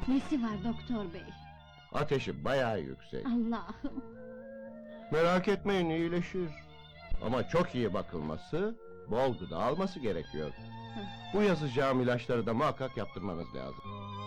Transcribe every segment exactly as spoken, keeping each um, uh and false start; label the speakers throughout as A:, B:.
A: Nesi var doktor bey?
B: Ateşi bayağı yüksek.
A: Allah'ım!
B: Merak etmeyin, iyileşir. Ama çok iyi bakılması, bol gıda alması gerekiyor. Bu yazacağım ilaçları da muhakkak yaptırmanız lazım.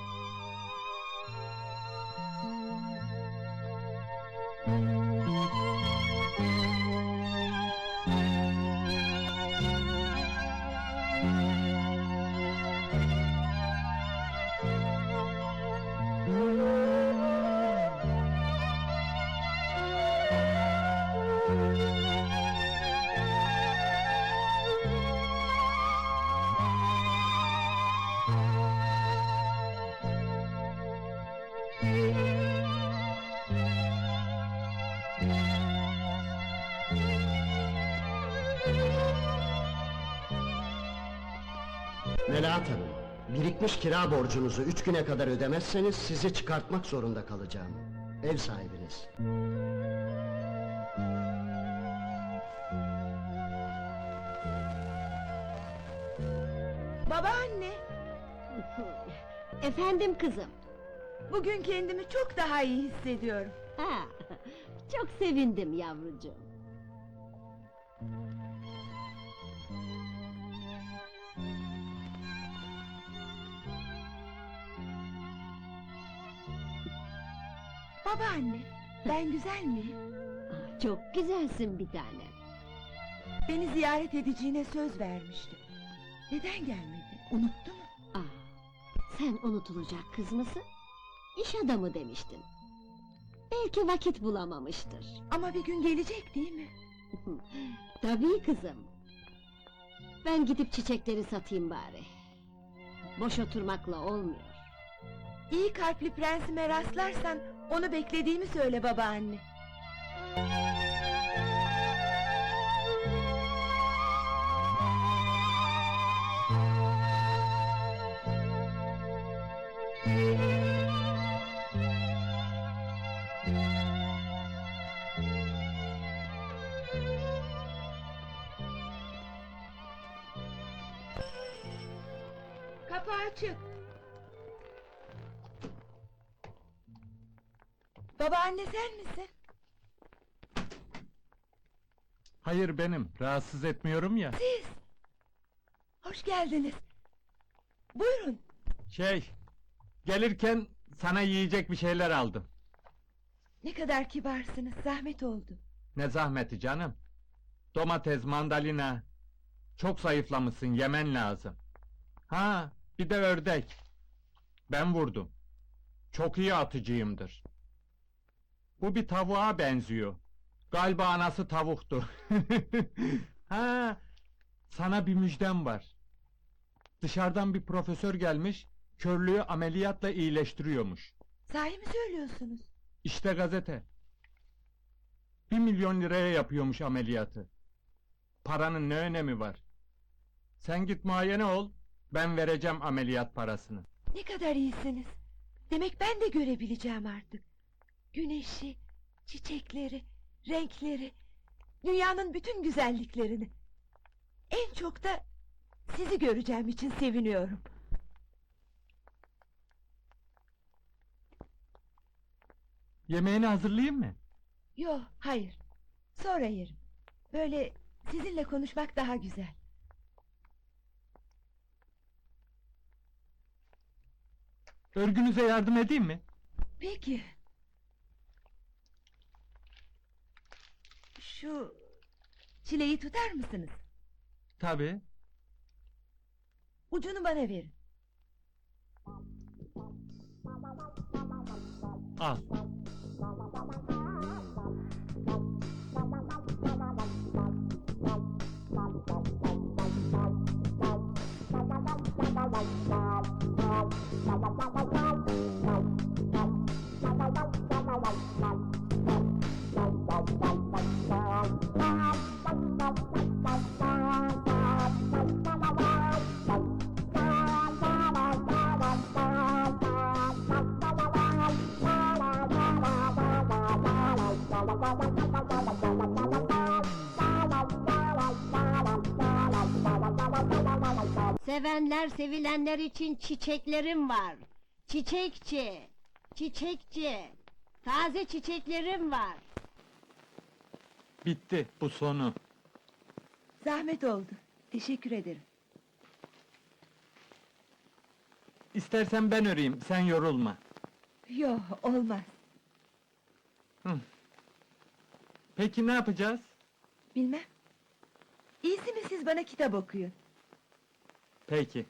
C: Melahat Hanım, birikmiş kira borcunuzu üç güne kadar ödemezseniz sizi çıkartmak zorunda kalacağım. Ev sahibiniz.
D: Babaanne,
A: Efendim kızım?
D: bugün kendimi çok daha iyi hissediyorum.
A: Ha, çok sevindim yavrucuğum.
D: Babaanne, ben güzel miyim?
A: Ah, çok güzelsin bir tanem.
D: Beni ziyaret edeceğine söz vermişti. Neden gelmedi? Unuttu mu?
A: Ah, sen unutulacak kız mısın? İş adamı demiştin. Belki vakit bulamamıştır.
D: Ama bir gün gelecek değil mi?
A: Tabii kızım. Ben gidip çiçekleri satayım bari. Boş oturmakla olmuyor.
D: İyi kalpli prensime rastlarsan onu beklediğimi söyle babaanne. Kapı açık. Babaanne sen misin?
E: Hayır benim, rahatsız etmiyorum ya.
D: Siz! Hoş geldiniz. Buyurun.
E: Şey, gelirken sana yiyecek bir şeyler aldım.
D: Ne kadar kibarsınız, zahmet oldu.
E: Ne zahmeti canım. Domates, mandalina. Çok zayıflamışsın, yemen lazım. Ha, bir de ördek. Ben vurdum. Çok iyi atıcıyımdır. Bu bir tavuğa benziyor. Galiba anası tavuktu. Ha, sana bir müjdem var. Dışarıdan bir profesör gelmiş, körlüğü ameliyatla iyileştiriyormuş.
D: Sahi mi söylüyorsunuz?
E: İşte gazete. Bir milyon liraya yapıyormuş ameliyatı. Paranın ne önemi var? Sen git muayene ol, ben vereceğim ameliyat parasını.
D: Ne kadar iyisiniz. Demek ben de görebileceğim artık. Güneşi, çiçekleri, renkleri, dünyanın bütün güzelliklerini. En çok da sizi göreceğim için seviniyorum.
E: Yemeğini hazırlayayım mı?
D: Yo, hayır. Sonra yerim. Böyle sizinle konuşmak daha güzel.
E: Örgünüze yardım edeyim mi?
D: Peki. Şu çileği tutar mısınız?
E: Tabii.
D: Ucunu bana verin.
E: Al.
A: Sevenler sevilenler için çiçeklerim var. Çiçekçi, çiçekçi. Taze çiçeklerim var.
E: Bitti, bu sonu.
D: Zahmet oldu. Teşekkür ederim.
E: İstersen ben öreyim, sen yorulma.
D: Yo, olmaz.
E: Peki ne yapacağız?
D: Bilmem. İyisi mi siz bana kitap okuyun?
E: Peki.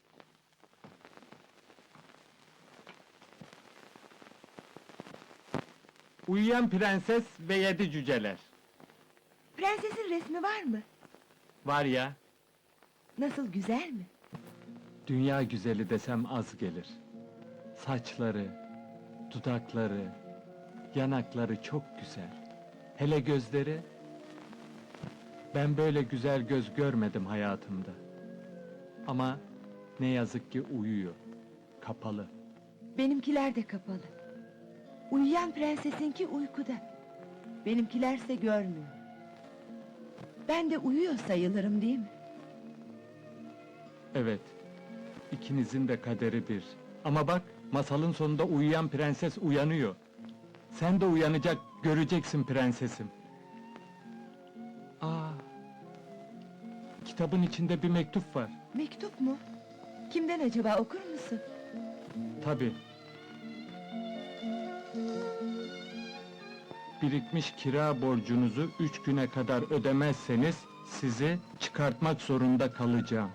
E: Uyuyan Prenses ve Yedi Cüceler.
D: Prensesin resmi var mı?
E: Var ya,
D: Nasıl, güzel mi?
E: dünya güzeli desem az gelir. Saçları, dudakları, yanakları çok güzel. Hele gözleri... Ben böyle güzel göz görmedim hayatımda. Ama ne yazık ki uyuyor, kapalı.
D: Benimkiler de kapalı. Uyuyan prensesinki uykuda. Benimkilerse görmüyor. Ben de uyuyor sayılırım, değil mi?
E: Evet, ikinizin de kaderi bir. Ama bak, masalın sonunda uyuyan prenses uyanıyor. Sen de uyanacak, göreceksin prensesim. Aa, kitabın içinde bir mektup var.
D: Mektup mu? Kimden acaba, okur musun?
E: Tabii. Birikmiş kira borcunuzu üç güne kadar ödemezseniz sizi çıkartmak zorunda kalacağım.